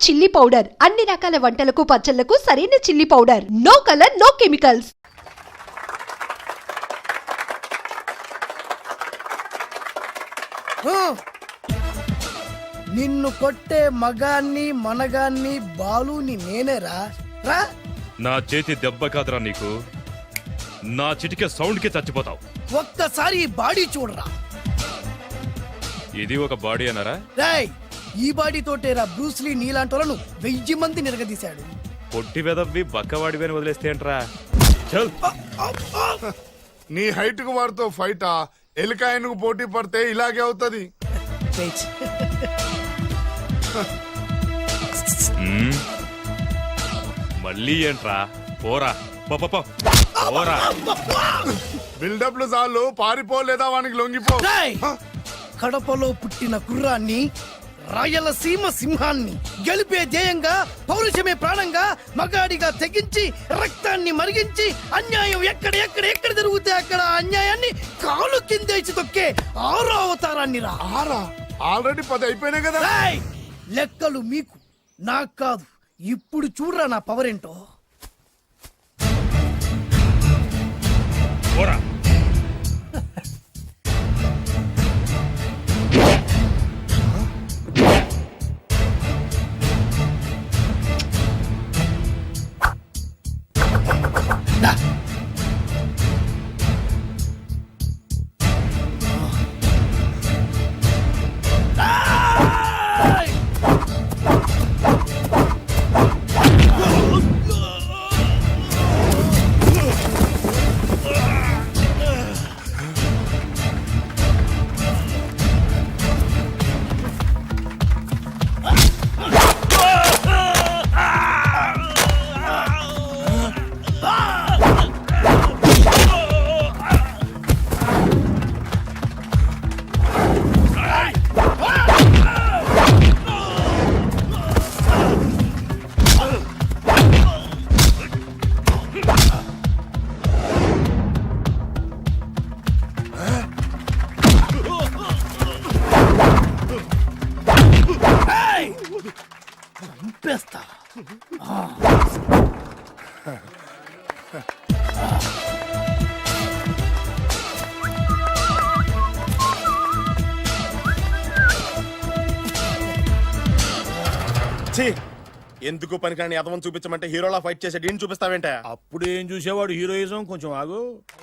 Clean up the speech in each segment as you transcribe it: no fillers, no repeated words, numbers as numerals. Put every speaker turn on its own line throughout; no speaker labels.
Chilli powder అన్ని రకాల వంటలకు పచ్చళ్లకు సరైన chilli powder. No colour no chemicals.
నిన్ను కొట్టే మగాన్ని మనగాన్ని బాలుని నేనేరా రా.
నా చేతి దెబ్బ కాదురా నీకు, నా చిటికే సౌండ్ కి చచ్చిపోతావు.
ఒక్కసారి ఈ బాడీ చూడరా.
ఇది ఒక బాడీ అన్నారా?
రేయ్, ఈ బాడీ తోటేరా బ్రూస్లీ నీలాంటోలను 1000 మంది నిరగదీశాడు.
పొట్టి వెదవ్వి బక్కవాడివి అని వదిలేస్తే ఏంట్రా? చల్.
నీ హైట్ కు వారితో ఫైటా? ఎలికాయనకు పోటీ పడితే ఇలాగే అవుతుంది.
మళ్ళీ ఏంట్రా? పోరా పోరా.
బిల్డప్లు చాలు, పారిపోలేదా వానికి లొంగిపో.
రేయ్, కడపలో పుట్టిన కుర్రాన్ని, రాయలసీమ సింహాన్ని గెలిపే ధ్యేయంగా, పౌరుషమే ప్రాణంగా, మగాడిగా తెగించి రక్తాన్ని మరిగించి అన్యాయం ఎక్కడ జరుగుతే అక్కడ అన్యాయాన్ని కాలు కిందేసి తొక్కే 6వ అవతారాన్ని రా.
ఆల్రెడీ 10 అయిపోయినాయి కదా.
రేయ్, లెక్కలు మీకు నాకు కాదు. ఇప్పుడు చూడరా నా పవర్ ఏంటో.
పోరా.
చంపేస్తా.
ఎందుకు పనికిరాని అదవం చూపించమంటే హీరోలా ఫైట్ చేసే డీన్ చూపిస్తావేంట?
అప్పుడు ఏం చూసేవాడు హీరోయిజం. కొంచెం ఆగు.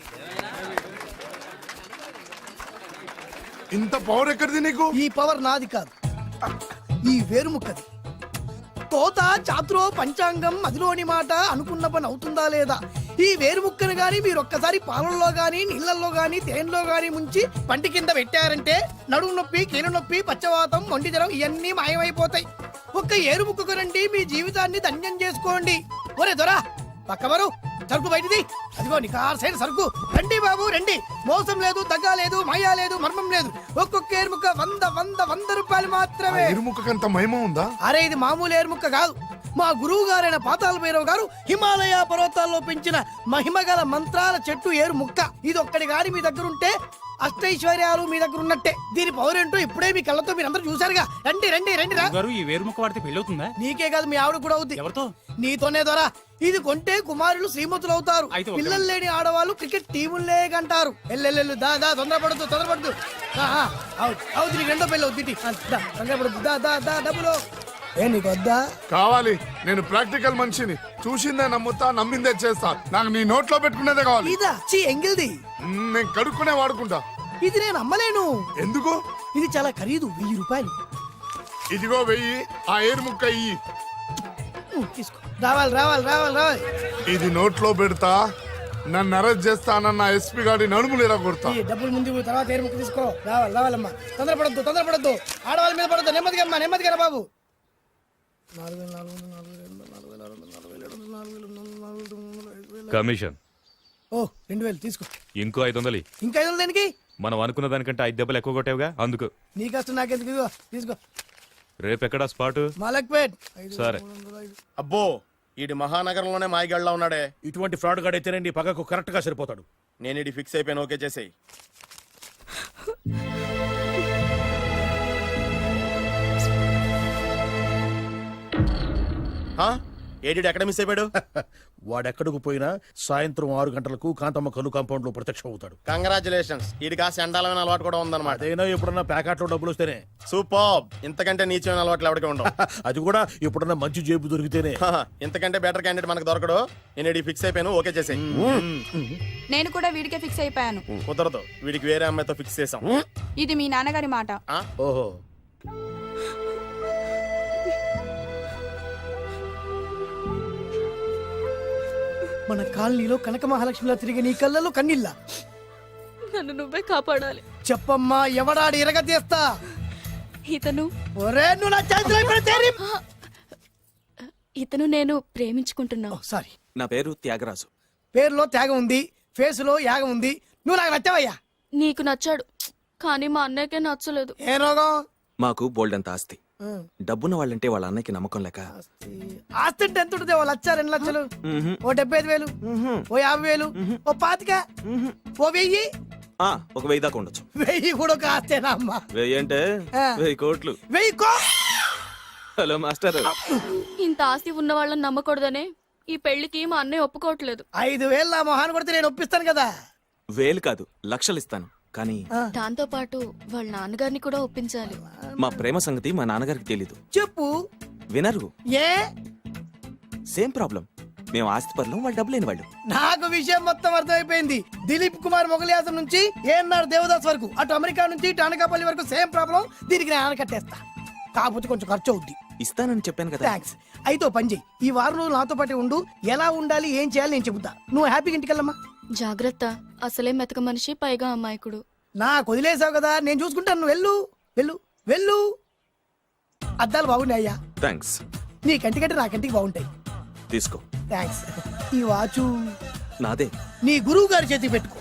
ఇంత పవర్ ఎక్కడిది నీకు?
ఈ పవర్ నాది కాదు, ఈ వేరుముక్కది. తోత చాతురో పంచాంగం అదిలోని మాట అనుకున్న పని అవుతుందా లేదా? ఈ వేరుముక్కను గాని మీరొక్కసారి పాలల్లో గాని నీళ్లలో గాని తేనెలో గాని ముంచి పంటి కింద పెట్టారంటే నడుము నొప్పి, కీలు నొప్పి, పచ్చవాతం, మొండి జ్వరం ఇవన్నీ మాయమైపోతాయి. ఒక్క ఏరుముక్కకు రండి, మీ జీవితాన్ని ధన్యం చేసుకోండి. ఒరే దొరా, పక్కవరు సరుకు బయటిది. అదిగో నీ సైడ్ సరుకు. రండి బాబు రండి. మోసం లేదు, దగ్గ లేదు, మాయా లేదు, మర్మం లేదు. ఒక్కొక్క ఏరుముక్క 100 రూపాయలు మాత్రమే.
ఎరుముకంత మహిమ ఉందా?
అరే, ఇది మామూలు ఏరుముక్క కాదు. మా గురువు గారైన పాతాళ భైరవ్ గారు హిమాలయ పర్వతాల్లో పెంచిన మహిమగల మంత్రాల చెట్టు ఏరుముక్క. ఇది ఒక్కడి గాని మీ దగ్గర ఉంటే అష్టైశ్వర్యాలు మీ దగ్గర ఉన్నట్టే. దీని పవర్ ఏంటో ఇప్పుడే మీ కళ్ళతో మీరు అందరూ చూసారుగా. రండి రండి రండి రా.
ఈ వేరుముక్క వాడితే పెళ్ళవుతుందా?
నీకే కాదు, మీ ఆవిడ కూడా అవుతుంది.
ఎవరితో? నీతోనే
ద్వారా. ఇది కొంటే కుమారులు శ్రీమంతులు అవుతారు. పిల్లలు లేని ఆడవాళ్ళు క్రికెట్ టీములే కంటారు. ఎల్లెల్లు దా దా, తొందరపడద్దు. అవుతుంది, నీకు రెండో పెళ్ళి అవుతుంది. తొందరపడద్దు, దా దా దా. డబ్బులు ఏ నీకు వద్దా?
కావాలి. నేను ప్రాక్టికల్ మనిషిని. చూసిందే నమ్ముతా, నమ్మిందే చేస్తా. నాకు నీ నోట్లో పెట్టుకునేదే కావాలి.
ఇదా చీ ఎంగిల్ది.
నేను కడుక్కునే వాడుకుంటా.
ఇది నేను అమ్మలేను.
ఎందుకు?
ఇది చాలా ఖరీదు, 1000 రూపాయలు.
ఇదిగో 1000. ఆ ఏరుముక్క ఇయ్యి.
తీసుకో. రావాలి.
ఇది నోట్లో పెడతా, నన్ను అరెస్ట్ చేస్తానన్న ఎస్పీ గారి నడుములు ఇలా కొడతా.
డబ్బులు ముందు తర్వాత ఏరుముక్క తీసుకో. రావాలమ్మా. తొందరపడద్దు. ఆడవాళ్ళ మీద పడద్దు. నెమ్మదిగా బాబు.
కమిషన్.
ఓ 2000 తీసుకో.
ఇంకో 500.
ఇంకా 500 దేనికి?
మనం అనుకున్న దానికంటే 5 దెబ్బలు ఎక్కువ కొట్టావుగా, అందుకు.
నీ కష్టం నాకెందుకు? తీసుకో.
రేపెక్కడా స్పాటు?
మలక్పేట్.
సరే.
అబ్బో, ఈడి మహానగరంలోనే మాయగాళ్ళ ఉన్నాడే.
ఇటువంటి ఫ్రాడ్ గాడు అయితేనండి పగకు కరెక్ట్ గా సరిపోతాడు.
నేను ఇది ఫిక్స్ అయిపోయాను. ఓకే చేసేయి. ఏడి ఎక్కడ మిస్ అయిపోయాడు?
వాడెక్కడికి పోయినా సాయంత్రం 6 గంటలకు కాంతమ్మ కలు కాంపౌండ్ లో ప్రత్యక్షం అవుతాడు.
కంగ్రాచులేషన్స్, వీడికి ఆ చండాలమైన అలవాటు కూడా ఉందన్నమాట.
అదైనా ఎప్పుడన్నా ప్యాకెట్లో డబ్బులు వస్తేనే.
సూపర్, ఇంతకంటే నీచమైన అలవాట్లు ఎవరికి ఉండవు.
అది కూడా ఎప్పుడన్నా మంచి జేబు దొరికితేనే.
ఇంతకంటే బెటర్ క్యాండిడేట్ మనకు దొరకడు. నేను ఫిక్స్ అయిపోయాను, ఓకే చేసే.
నేను కూడా వీడికే ఫిక్స్ అయిపోయాను.
కుదరదు, వీడికి వేరే అమ్మాయితో ఫిక్స్ చేసాం.
ఇది మీ నాన్నగారి మాట.
ఓహో,
మన కాలనీలో కనక మహాలక్ష్మిలా తిరిగి నీ కళ్ళలో కన్నీళ్ళ.
నన్ను నువ్వే కాపాడాలి.
చెప్పమ్మా, ఎవడాడి ఎరగ తీస్తా.
ఇతను
ఒరే నువ్వు నా చేతిలో పెడితేరి.
ఇతను నేను ప్రేమించుకుంటున్నావు.
సారీ,
నా పేరు త్యాగరాజు.
పేరులో త్యాగం ఉంది, ఫేసులో యాగం ఉంది. నువ్వు నాకు నచ్చావయ్యా.
నీకు నచ్చాడు, కానీ మా అన్నయ్యకే నచ్చలేదు.
ఏ రోగం?
మాకు బోల్డంత ఆస్తి. డబ్బున్న వాళ్ళంటే వాళ్ళ అన్నయ్యకి నమ్మకం లేక
ఆస్తి అంటే ఎంత ఉంటుంది? 1,00,000 2 లక్షలు, ఓ 75,000, ఓ 50,000, ఓ 25,000, ఓ 1000.
ఒక 1000 దాకా ఉండొచ్చు.
1000 కూడా ఒక ఆస్తేనా అమ్మా?
1000 అంటే
ఆ.
1000 కోట్లు.
1000
హలో మాస్టర్.
ఇంత ఆస్తి ఉన్న వాళ్ళని నమ్మకూడదనే ఈ పెళ్లికి మా అన్నయ్య ఒప్పుకోవట్లేదు.
5,000 నా మొహాన్ని కొడితే నేను ఒప్పిస్తాను కదా.
1000 కాదు, లక్షలు ఇస్తాను. కానీ
దాంతో పాటు వాళ్ళ నాన్నగారిని కూడా ఒప్పించాలి.
మా ప్రేమ సంగతి మా నాన్నగారికి తెలీదు.
చెప్పు.
వినరు.
ఏ?
Same problem. మేము ఆస్తి పరులం, వాళ్ళు డబ్బు లేని వాళ్ళు.
నాకు విషయం మొత్తం అర్థమైపోయింది. దిలీప్ కుమార్ మొగలియాసం నుంచి ఏఎన్ఆర్ దేవదాస్ వరకు, అటు అమెరికా నుంచి ఇటు అనకాపల్లి వరకు సేమ్ ప్రాబ్లం. దీనికి నేను ఆనకట్టేస్తా, కాకపోతే కొంచెం ఖర్చు అవుద్ది.
ఇస్తానని చెప్పాను కదా.
థ్యాంక్స్. అయితే ఓ పని చెయ్యి, ఈ వారం రోజులు నాతో పాటు ఉండు. ఎలా ఉండాలి, ఏం చేయాలి నేను చెబుతా. నువ్వు హ్యాపీగా ఇంటికెళ్ళమ్మా.
జాగ్రత్త, అసలే మెతక మనిషి, పైగా అమాయకుడు.
నాకు వదిలేసావు కదా, నేను చూసుకుంటాను. నువ్వు వెళ్ళు వెళ్ళు వెళ్ళు. అద్దాలు బాగున్నాయి అయ్యా.
థ్యాంక్స్.
నీ కంటికంటే నా కంటికి బాగుంటాయి.
తీసుకో.
థ్యాంక్స్. ఈ వాచు
నాదే.
నీ గురువు గారి చేతికి పెట్టుకో.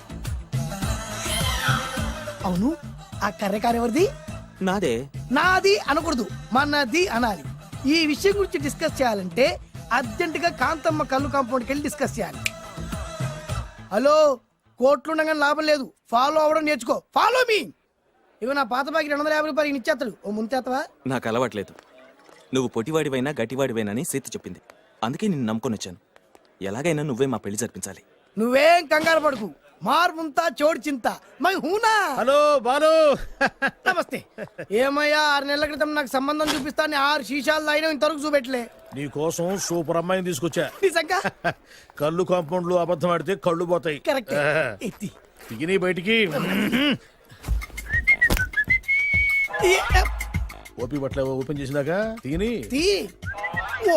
అవును, ఆ కర్రెకారు ఎవరిది?
నాదే.
నాది అనకూడదు, మనది అనాలి. ఈ విషయం గురించి డిస్కస్ చేయాలంటే అర్జెంట్ గా కాంతమ్మ కళ్ళు కాంపౌండ్కి వెళ్ళి డిస్కస్ చేయాలి. హలో, కోట్లుండగానే లాభం లేదు. ఫాలో అవ్వడం నేర్చుకో. Follow me. ఇవి నా పాత బాకి 250 రూపాయలు ఇచ్చేస్తాడు. ఓ ముంతేత్తవా?
నాకు అలవాట్లేదు. నువ్వు పొటివాడివైనా గట్టివాడివైనా అని సీత చెప్పింది. అందుకే నిన్ను నమ్ముకొని వచ్చాను. ఎలాగైనా నువ్వే మా పెళ్లి జరిపించాలి.
నువ్వేం కంగారు పడుకు. మార్ముంతా చోడు చింత మై హూనా.
హలో బాలు.
నమస్తే. ఏమయ్యా, 6 నెలల క్రితం నాకు సంబంధం చూపిస్తాను 6 శీషాలు అయినా ఇంతవరకు చూపెట్టలే.
నీ కోసం సూపర్ అమ్మాయిని తీసుకొచ్చా.
నిజంగా?
కళ్ళు కాంపౌండ్ లో అబద్ధం ఆడితే కళ్ళు పోతాయి.
కరెక్ట్. ఎత్తి
తిని బయటికి. ఓపి బట్ల ఓపెన్ చేసినాక తిని.
తీ. ఓ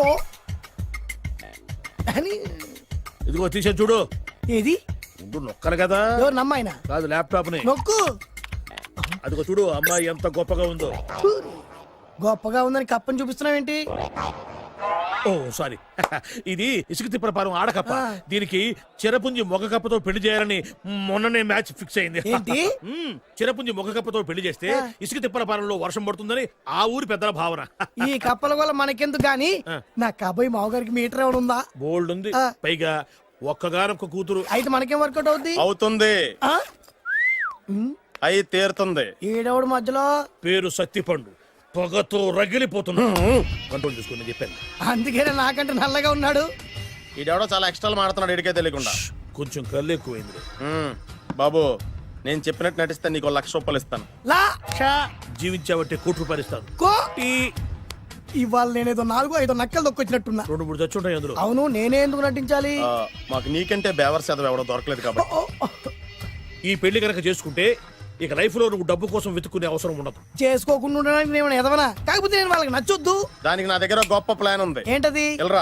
అని.
ఇదిగో తీసే చూడు.
ఏది?
ఉండు, నొక్కలు కదా.
ఎవరు నమ్మాయినా?
కాదు, ల్యాప్టాప్ ని
నొక్కు.
అదిగో చూడు, అమ్మాయి ఎంత గొప్పగా ఉందో.
గొప్పగా ఉందని కప్పని చూపిస్తున్నావేంటి?
ఓ సారీ. ఇది ఇసుక తిప్పల పారం ఆడకప్ప. దీనికి చిరపుంజి మొగ కప్పతో పెళ్లి చేయాలని మొన్ననే మ్యాచ్ ఫిక్స్ అయింది.
ఏంటి?
చిరపుంజి మొగ కప్పతో పెళ్లి చేస్తే ఇసుక తిప్పల పారంలో వర్షం పడుతుందని ఆ ఊరి పెద్దల భావన.
ఈ కప్పల వల్ల మనకెందుకు గాని, నా కాబోయే మావగారికి మీటర్ ఎవడు ఉందా?
బోల్డ్ ఉంది. పైగా ఒక్కగానొక్క కూతురు.
అయితే మనకేం వర్కౌట్ అవుద్ది?
అవుతుంది,
ఆ?
అయి తీరుతుంది.
ఈడెవడు మధ్యలో?
పేరు సత్తిపండు. పొగతో రగిలిపోతున్నా. కంట్రోల్ చేసుకోండి చెప్పాను.
అందుకేనే నాకంటే నల్లగా ఉన్నాడు.
ఈడెవడో చాలా ఎక్స్ట్రా మాడుతున్నాడు, ఇడికే తెలియకుండా.
కొంచెం కళ్ళు ఎక్కువైంది.
బాబు, నేను చెప్పినట్టు నటిస్తే నీకు 1,00,000 రూపాయలు ఇస్తాను.
లా
జీవించాబట్టే ₹1,00,000 ఇస్తాను.
కో. ఇవాళ నేనేదో 4-5 నక్కలు దొక్కొచ్చినట్టున్నా.
2-3 చచ్చుంటాయి అందులో.
అవును, నేనే ఎందుకు నటించాలి?
మాకు నీకంటే బేవర్ చదువు ఎవడో దొరకలేదు కాబట్టి.
ఈ పెళ్లి కనుక చేసుకుంటే ఇక లైఫ్ లో నువ్వు డబ్బు కోసం వెతుక్కునే అవసరం ఉండదు.
చేసుకోకుండా ఉండడానికి నేను ఎదవనా? కాకపోతే నేను వాళ్ళకి నచ్చొద్దు.
దానికి నా దగ్గర గొప్ప ప్లాన్ ఉంది.
ఏంటది?
వెళ్ళరా.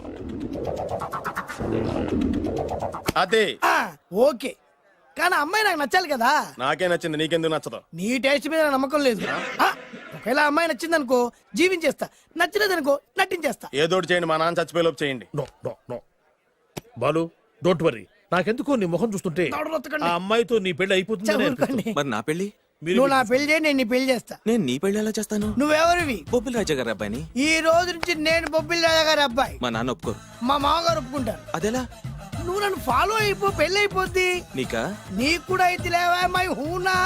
అదే.
ఓకే, కానీ అమ్మాయి నాకు నచ్చాలి కదా.
నాకే నచ్చింది, నీకెందుకు నచ్చదు?
నీ టేస్ట్ మీద నాకు నమ్మకం లేదు. ఒకవేళ అమ్మాయి నచ్చింది అనుకో జీవించేస్తా, నచ్చలేదు అనుకో నటించేస్తా.
ఏదోటి చేయండి, మా నాన్న చచ్చిపోయేలోపు చేయండి.
No no no Balu, don't worry. నాకెందుకో నీ ముఖం చూస్తుంటే ఆ అమ్మాయితో నీ పెళ్లి అయిపోతుంది.
మరి నా పెళ్లి?
నువ్వు నా పెళ్లి చేయి, నేను నీ పెళ్లి చేస్తా.
నేను నీ పెళ్లి ఎలా చేస్తాను?
నువ్వెవరివి?
బొబ్బిలి రాజా గారి అబ్బాయిని.
ఈ రోజు నుంచి నేను బొబ్బిలి రాజా గారి అబ్బాయి.
మా నాన్న ఒప్పుకోరు.
మా మామగారు ఒప్పుకుంటారు.
అదెలా?
నువ్వు నన్ను ఫాలో అయిపో, పెళ్లి అయిపోద్ది.
నీకా?
నీకు కూడా అయితే లేవా మై హూనా.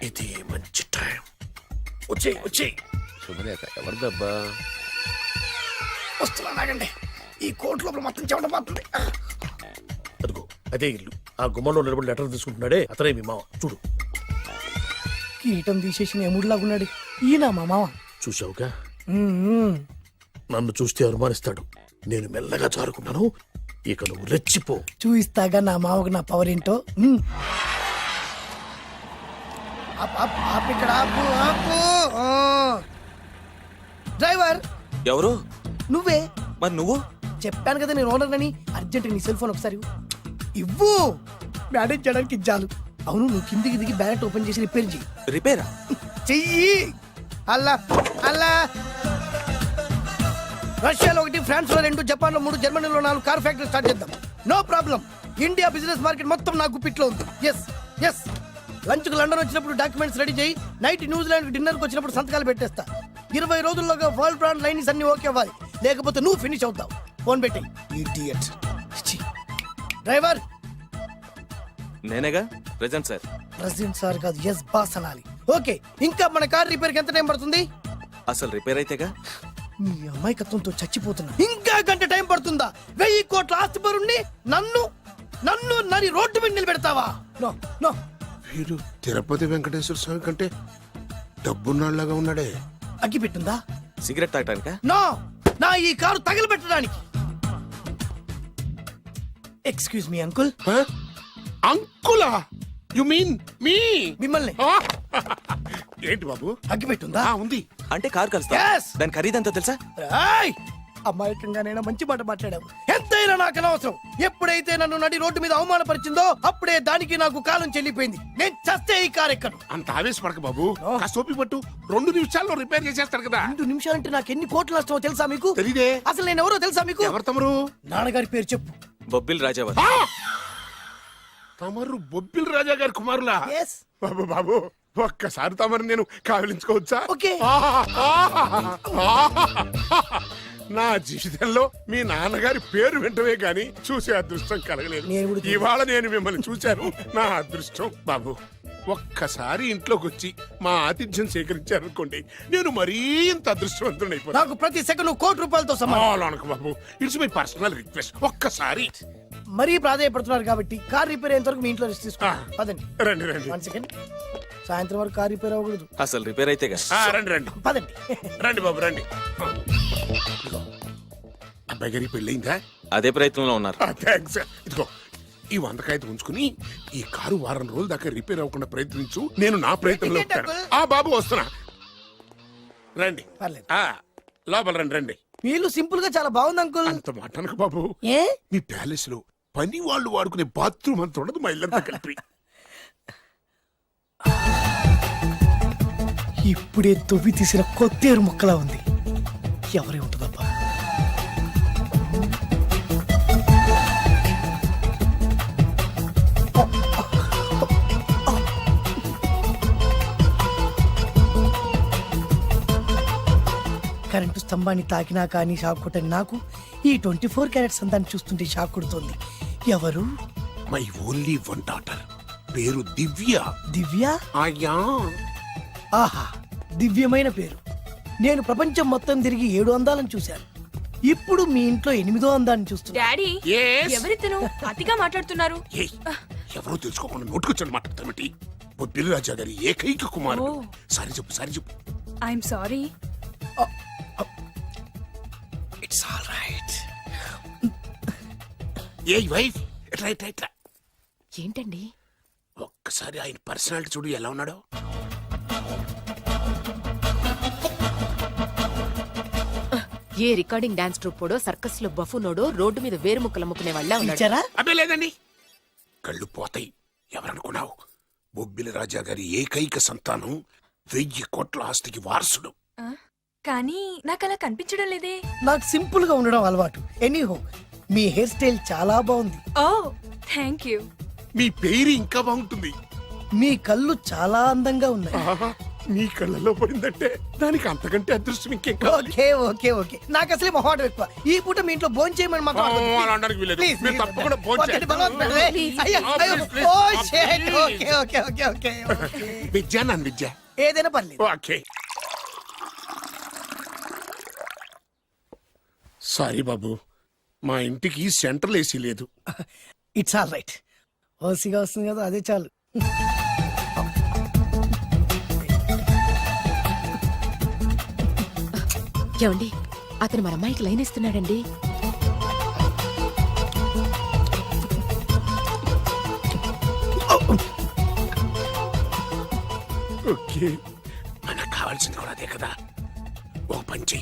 ఇది మంచి టైం. వచ్చేయ్ వచ్చేయ్.
శుభలేఖ ఎవరిదబ్బా?
వస్తున్నా నాగండి. ఈ కోర్టు లోపల మొత్తం చెమట పోతుంది.
అదిగో అదే ఇల్లు. ఆ గుమ్మంలో నిలబడి లెటర్ తీసుకుంటున్నాడే అతనే మీ మామ. చూడు.
కీటం తీసేసిన ఎముడిలాగున్నాడు. ఈయన మా మామ.
చూసావుగా,
మ్మ్.
నన్ను చూస్తే అనుమానిస్తాడు. నేను మెల్లగా జారుకున్నాను. ఇక నువ్వు రెచ్చిపో.
చూయిస్తాగా నా మామకు నా పవర్ ఏంటో. మ్మ్. ఆపు ఇక్కడ, ఆపు ఆపు. ఆ. డ్రైవర్
ఎవరు?
నువ్వే.
మరి నువ్వు?
చెప్పాను కదా నేను ఓనర్ అని. అర్జెంట్ నీ సెల్ ఫోన్ ఒకసారి ఇవ్వు. మేనేజ్ చేయడానికి ఇచ్చాను. అవును, నువ్వు కిందికి దిగి బ్యానెట్ ఓపెన్ చేసి రిపేర్ చెయ్యి.
రిపేరా?
చెయ్యి. అల్లా అల్లా. రష్యాలో 1, ఫ్రాన్స్ లో 2, జపాన్ లో 3, జర్మనీలో 4 కార్ ఫ్యాక్టరీ స్టార్ట్ చేద్దాం. No problem. India business market మొత్తం నా గుప్పిట్లో ఉంది. Yes yes. లంచ్ కు లండన్ వచ్చినప్పుడు డాక్యుమెంట్స్ రెడీ చేయి. నైట్ న్యూజిలాండ్ డిన్నర్ కి వచ్చినప్పుడు సంతకాలు పెట్టేస్తా. 20 రోజుల్లోగా వరల్డ్ బ్రాండ్ లైన్స్ అన్ని ఓకే అవ్వాలి. లేకపోతే నువ్వు ఫినిష్ అవుతావు. ఫోన్ పెట్టి. ఇడియట్. డ్రైవర్.
నేనేగా ప్రెజెంట్ సార్.
ప్రెసిడెంట్ సార్ కాదు, ఎస్ బాస్ అనాలి. ఓకే, ఇంకా మన కార్ రిపేర్ కి ఎంత టైం పడుతుంది?
అసలు రిపేర్ అయితేగా.
మీ అమాయకత్వంతో చచ్చిపోతున్నా. ఇంకా గంట టైం పడుతుందా? 1000 కోట్ల ఆస్తి పరుణ్ణి నన్ను నన్ను నరి రోడ్డు మీద నిలబెడతావా? No no.
వీడు తిరుపతి వెంకటేశ్వర స్వామి కంటే డబ్బున్నాళ్ళగా ఉన్నాడే.
అగ్గి పెట్టుందా?
సిగరెట్ తాగటానికా?
నో, నా ఈ కారు తగలబెట్టడానికి. Excuse me uncle.
అంకులా? You mean me?
మిమ్మల్ని.
ఏంటి బాబు?
అగ్గి పెట్టుందా?
ఉంది.
అంటే కార్ కలుస్తా.
Yes.
దాని ఖరీదంతా తెలుసా?
ఏయ్! అమాయకంగానైనా మంచి మాట మాట్లాడావు. ఎంతైనా నాకు అనవసరం. ఎప్పుడైతే నన్ను నడి రోడ్డు మీద అవమానపరిచిందో అప్పుడే దానికి నాకు కాలం చెల్లిపోయింది. నేను చస్తే ఈ కారు ఎక్కను.
అంత ఆవేశపడక బాబు. కాస్త ఓపిక పట్టు. 2 నిమిషాల్లో రిపేర్ చేసేస్తారు కదా.
2 నిమిషాలంటే నాకు ఎన్ని కోట్ల నష్టమో తెలుసా మీకు?
తెలీదే.
అసలు నేను ఎవరో తెలుసా మీకు?
ఎవరు తమరు?
నాన్నగారి పేరు చెప్పు.
బొబ్బిల్ రాజావర్.
తమరు బొబ్బిల్ రాజా గారి కుమారులా?
Yes.
బాబు బాబు, ఒక్కసారి తమరు నేను కావలించుకోవచ్చా?
ఓకే.
నా జీవితంలో మీ నాన్నగారి పేరు వింటమే గాని చూసే అదృష్టం కలగలేదు.
నేను కూడా చూడలేదు.
ఇవాళ నేను మిమ్మల్ని చూశాను. నా అదృష్టం. బాబు, ఒక్కసారి ఇంట్లోకి వచ్చి మా ఆతిథ్యం సేకరించారనుకోండి, నేను మరీ ఇంత అదృష్టవంతుడు అయిపోతాను.
నాకు ప్రతి సెకండ్ కోటి సమానం.
బాబు, ఇట్స్ మై పర్సనల్ రిక్వెస్ట్. ఒక్కసారి.
మరీ ప్రాధాయపడుతున్నారు కాబట్టి కార్ రిపేర్ అయ్యేంత వరకు మీ ఇంట్లో రెస్ట్ తీసుకో. పదండి.
రండి రండి.
1 సెకండ్. సాయంత్రం వరకు కార్ రిపేర్ అవ్వకూడదు.
అసలు రిపేర్ అయితేగా.
రండి రండి.
పదండి.
రండి బాబు రండి. అబ్బాయి గారి పెళ్ళయిందా?
అదే ప్రయత్నంలో ఉన్నారు.
థ్యాంక్స్. ఇదిగో ఈ 100 కాగితం ఉంచుకుని ఈ కారు వారం రోజుల దాకా రిపేర్ అవ్వకుండా ప్రయత్నించు. నేను నా ప్రయత్నంలో ఉంటాను. బాబు వస్తున్నా. రండి.
పర్లేదు.
లోపల రండి రండి.
వీళ్ళు సింపుల్ గా చాలా బాగుంది అంకుల్.
అంత మాట అనకు బాబు.
ఏ?
మీ ప్యాలెస్ లో పని వాళ్ళు వాడుకునే బాత్రూమ్ అంత ఉండదు మా ఇల్లంతా కలిపి.
ఇప్పుడే తొవ్వి తీసిన కొత్తేరు ముక్కలా ఉంది. ఎవరే ఉంటుందబ్బా? కరెంటు స్తంభాన్ని తాకినా కానీ షాక్ కొట్టని నాకు ఈ 24 క్యారెట్స్ అందాన్ని చూస్తుంటే షాక్ కొడుతోంది. ఎవరు?
My only 1 daughter. పేరు దివ్య.
దివ్య?
అయ్యా.
ఆహా, దివ్యమైన పేరు. నేను ప్రపంచం మొత్తం తిరిగి 7 అందాలను చూశాను. ఇప్పుడు మీ ఇంట్లో 8వ అందాన్ని చూస్తున్నా.
Daddy
Yes?
ఎవరితను అతిగా మాట్లాడుతున్నారు?
ఏయ్, ఎవరో తెలుసుకోకుండా నోటుకొచ్చాడు మాట్లాడతామటి. బొబ్బిలి రాజా గారి ఏకైక కుమారుడు. సారీ చెప్పు, సారీ చెప్పు.
I'm sorry.
It's all right.
A wife, ఎట్లా ఎట్లా ఎట్లా.
ఏంటండి?
ఒక్కసారి ఆయన పర్సనాలిటీ చూడు ఎలా ఉన్నాడో.
ఏ రికార్డింగ్ డాన్స్ ట్రూపోడో సర్కస్ లో బఫునోడో రోడ్డు మీద వేరుముక్కలు అమ్ముకునే వాళ్ళ
ఇచ్చారా?
అబ్బే లేదండి. కళ్ళు పోతాయి. ఎవరనుకున్నావు? బొబ్బిలి రాజా గారి ఏకైక సంతానం, 1000 కోట్ల ఆస్తికి వారసుడు.
కానీ నాకు అలా కనిపించడం లేదే.
నాకు సింపుల్ గా ఉండడం అలవాటు. ఎనీహో, మీ హెయిర్ స్టైల్ చాలా బాగుంది.
ఓ థ్యాంక్ యూ.
మీ పేరు ఇంకా బాగుంటుంది.
మీ కళ్ళు చాలా అందంగా ఉన్నాయి.
నీ కళ్ళల్లో పడిందంటే దానికి అంతకంటే అదృష్టం ఇంకేం కావాలి
ఓకే ఓకే ఓకే నాకు అసలే మొహాటం ఎక్కువ ఈ పూట మీ ఇంట్లో భోజనం చేయమని మాత్రం అడగొద్దు.
అలా అనడానికి వీల్లేదు.
Please,
మీరు
please.
తప్పకుండా భోజనం
ఒకటి
చేయండి.
బలవంతం పెట్టవే. అయ్యో, అయ్యో.
Please,
oh,
please.
shit. Okay okay okay okay okay.
Vidya నన్ను విద్య
ఏదైనా పర్లేదు
ఓకే సారీ బాబు మా ఇంటికి సెంట్రల్ ఏసీ లేదు
ఇట్స్ ఆల్ రైట్ ఓసిగా వస్తుంది కదా అదే చాలు
ఏమండి అతను మన అమ్మాయికి లైన్ ఇస్తున్నాడండి.
ఓకే మనకు కావాల్సింది కూడా అదే కదా ఒక పని చెయ్యి